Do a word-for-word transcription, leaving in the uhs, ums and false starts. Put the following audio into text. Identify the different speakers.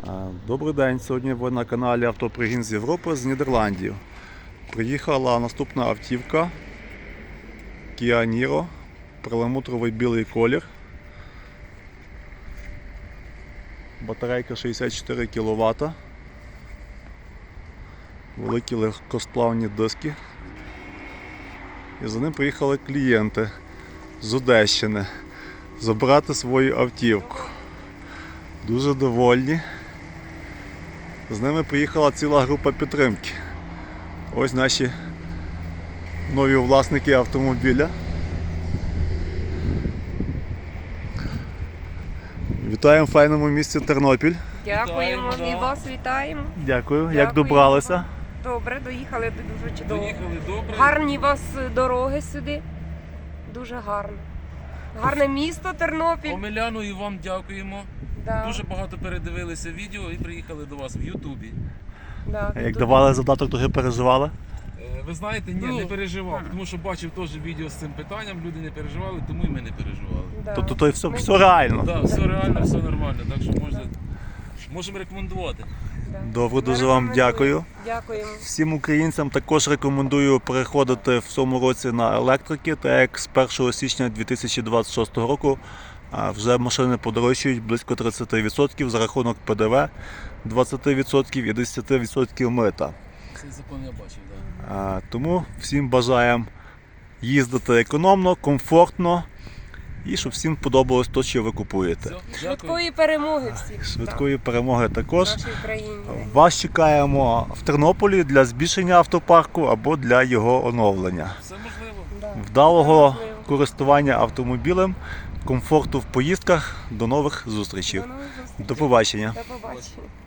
Speaker 1: Добрий день, сьогодні ви на каналі Автопригін з Європи з Нідерландів. Приїхала наступна автівка Kia Niro, перламутровий білий колір. Батарейка шістдесят чотири кіловата, великі легкосплавні диски. І за ним приїхали клієнти з Одещини забрати свою автівку. Дуже довольні. З ними приїхала ціла група підтримки. Ось наші нові власники автомобіля. Вітаємо в файному місті Тернопіль.
Speaker 2: Дякуємо і вас вітаємо.
Speaker 1: Дякую. Як
Speaker 2: Дякуємо.
Speaker 1: добралися?
Speaker 2: Добре, доїхали дуже чудово.
Speaker 3: Доїхали добре.
Speaker 2: Гарні у вас дороги сюди. Дуже гарно. Гарне місто Тернопіль.
Speaker 3: Омеляну і вам дякуємо.
Speaker 2: Да,
Speaker 3: Дуже багато передивилися відео і приїхали до вас в Ютубі.
Speaker 2: да,
Speaker 1: А як
Speaker 2: тут-
Speaker 1: давали задаток, то ви переживали?
Speaker 3: Е, Ви знаєте, ні,
Speaker 2: Ні.
Speaker 3: не переживав, тому що бачив теж відео з цим питанням, люди не переживали, тому і ми не переживали.
Speaker 2: Да.
Speaker 1: Тобто то все,
Speaker 2: Ми-
Speaker 1: все реально.
Speaker 3: Так, все реально, все нормально, так що можна, можемо рекомендувати.
Speaker 2: Да.
Speaker 1: Добре, дуже
Speaker 2: Ми
Speaker 1: вам
Speaker 2: рекомендуємо.
Speaker 1: дякую.
Speaker 2: Дякуємо.
Speaker 1: Всім українцям також рекомендую переходити в цьому році на електрики, так як з першого січня дві тисячі двадцять шостого року а, вже машини подорожчають близько тридцять відсотків за рахунок Пе Де Ве, двадцять відсотків і десять відсотків мита.
Speaker 3: Цей закон я бачив, так.
Speaker 1: А, Тому всім бажаємо їздити економно, комфортно і щоб всім подобалось те, що ви купуєте.
Speaker 3: Все, дякую.
Speaker 2: Швидкої перемоги всім.
Speaker 1: Швидкої перемоги
Speaker 2: Да,
Speaker 1: також.
Speaker 2: в нашій Україні.
Speaker 1: Вас чекаємо в Тернополі для збільшення автопарку або для його оновлення.
Speaker 3: Все можливо.
Speaker 2: Да.
Speaker 1: Вдалого
Speaker 2: Все можливо.
Speaker 1: користування автомобілем, комфорту в поїздках. До нових зустрічей.
Speaker 2: До нових зустрічей.
Speaker 1: До побачення.
Speaker 2: До побачення.